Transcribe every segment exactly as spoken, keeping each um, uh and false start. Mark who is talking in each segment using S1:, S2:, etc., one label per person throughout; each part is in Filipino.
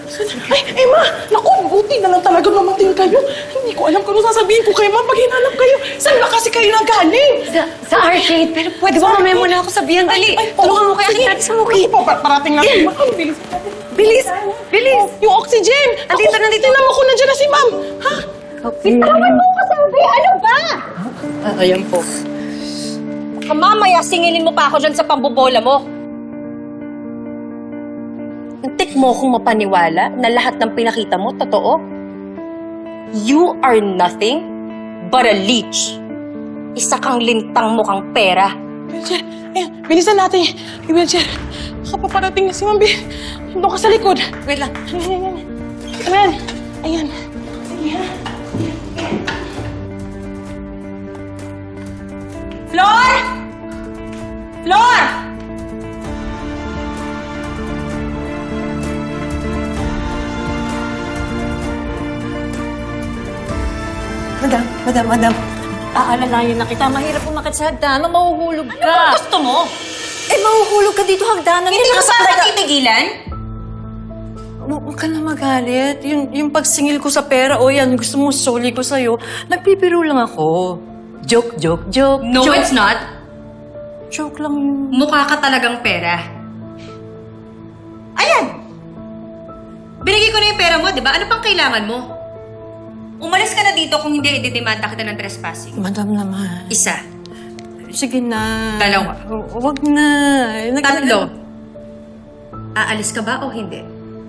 S1: Ay, Emma! Naku, buti na lang talaga mamatay kayo. Hindi ko alam kung ano sasabihin ko kay Ma'am pag hinanap kayo. Saan ba kasi kayo nagaling?
S2: Sa, sa arcade. Pero pwede ba mamaya muna ako sabihan? Dali, tulungan mo kaya kita natin sa mukhi.
S1: Sige po, parating natin. Ma'am, bilis natin.
S2: Bilis! Bilis!
S1: Yung oxygen!
S2: Andito, nandito.
S1: Tingnan mo kung nandiyan na si Ma'am. Ha?
S3: Bitawan mo ko sabi! Ano ba?
S2: Ah, ayan po.
S3: Baka mamaya singilin mo pa ako dyan sa pambobola mo. Antik mo kung mapaniwala na lahat ng pinakita mo, totoo? You are nothing but a leech. Isa kang lintang mukhang pera.
S1: Wheelchair. Ayan, bilisan natin. Yung wheelchair. Kapaparating na si Ma'am. Doon ka sa likod.
S2: Wait lang.
S1: Ayan, ayan. Ayan. Ayan. Ayan.
S3: Flor! Flor!
S2: Madam, madam, madam.
S4: Aalalayan na kita. Mahirap umakit sa hagdanan. Mahuhulog ka.
S3: Ano gusto mo?
S4: Eh, mahuhulog ka dito hagdanan.
S3: Hindi ka ba matitigilan?
S4: Huwag ka na magalit. Yung, yung pagsingil ko sa pera, o yan, gusto mo soli ko sa'yo, nagpipiro lang ako. Joke, joke, joke.
S3: No,
S4: joke.
S3: it's not.
S4: Joke lang yun.
S3: Mukha ka talagang pera. Ayan! Binigay ko na yung pera mo, di ba? Ano pang kailangan mo? Umalis ka na dito kung hindi ididemanda kita ng trespassing.
S4: Madam naman.
S3: Isa.
S4: Sige na.
S3: Dalawa.
S4: Hu- Huwag na. Nag-
S3: Tatlo. Aalis ka ba o hindi?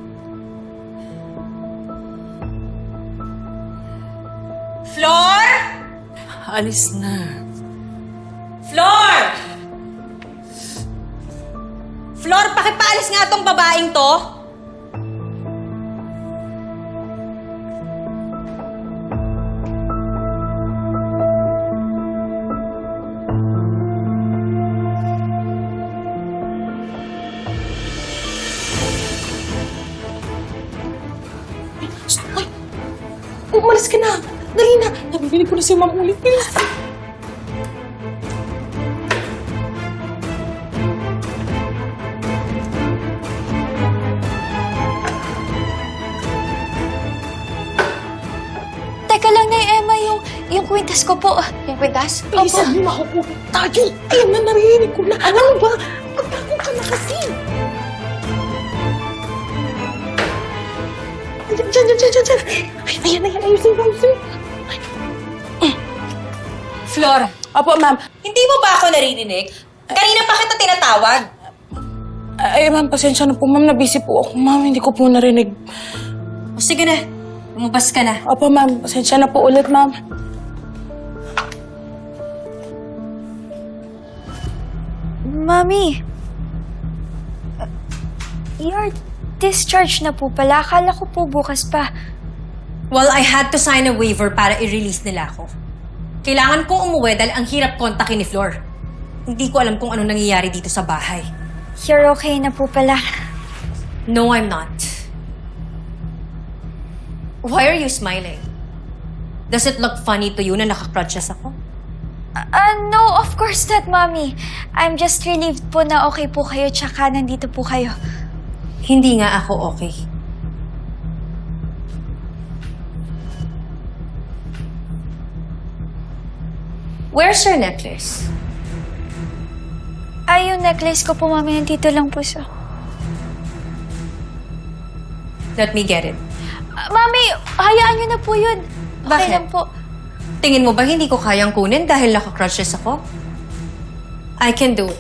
S3: Flor!
S4: Alis na.
S3: Flor! Flor, pakipaalis nga tong babaeng to.
S1: Ay! Umalis ka na! Dali na! Nabibinig ko na si Ma'am ulit. Bilis!
S5: Teka lang na, Emma, yung, yung kwintas ko po. Yung kwintas?
S1: Bilisan mo, makukulit tayo! Ayun na, narinig ko na. Ano ba? Pagtago ka na kasi! Diyan, diyan, diyan, diyan, diyan! Ay, ayan, ayan, ayusin mo, ayusin mo.
S3: Flor,
S1: Opo, ma'am.
S3: hindi mo ba ako naririnig? Kanina pa kita tinatawag.
S1: Ay, ma'am, pasensya na po, ma'am. Nabisi po ako, ma'am. Hindi ko po narinig.
S3: O sige na, lumabas ka na.
S1: Opo, ma'am. Pasensya na po ulit, ma'am.
S5: Mami, uh, you're discharged na po pala. Akala ko po bukas pa.
S3: Well, I had to sign a waiver para i-release nila ako. Kailangan kong umuwi dahil ang hirap kontakin ni Flor. Hindi ko alam kung ano nangyayari dito sa bahay.
S5: You're okay na po pala.
S3: No, I'm not. Why are you smiling? Does it look funny to you na nakakrutches ako?
S5: Uh, no, of course not, Mami. I'm just relieved po na okay po kayo tsaka nandito po kayo.
S3: Hindi nga ako okay. Where's your necklace?
S5: Ay, yung necklace ko po, Mami, nandito lang po siya.
S3: Let me get it.
S5: Uh, Mami, hayaan niyo na po yun. Okay
S3: Bakit?
S5: lang po.
S3: Tingin mo ba hindi ko kayang kunin dahil nakakrutches ako? I can do it.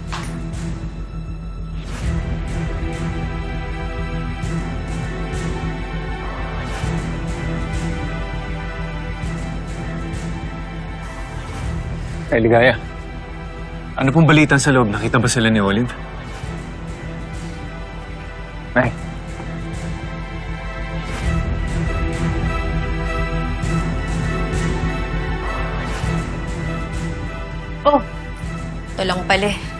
S6: Ay, Ligaya. Ano pong balitan sa loob? Nakita ba sila ni Olive? Nay.
S3: Oh, ito lang pala.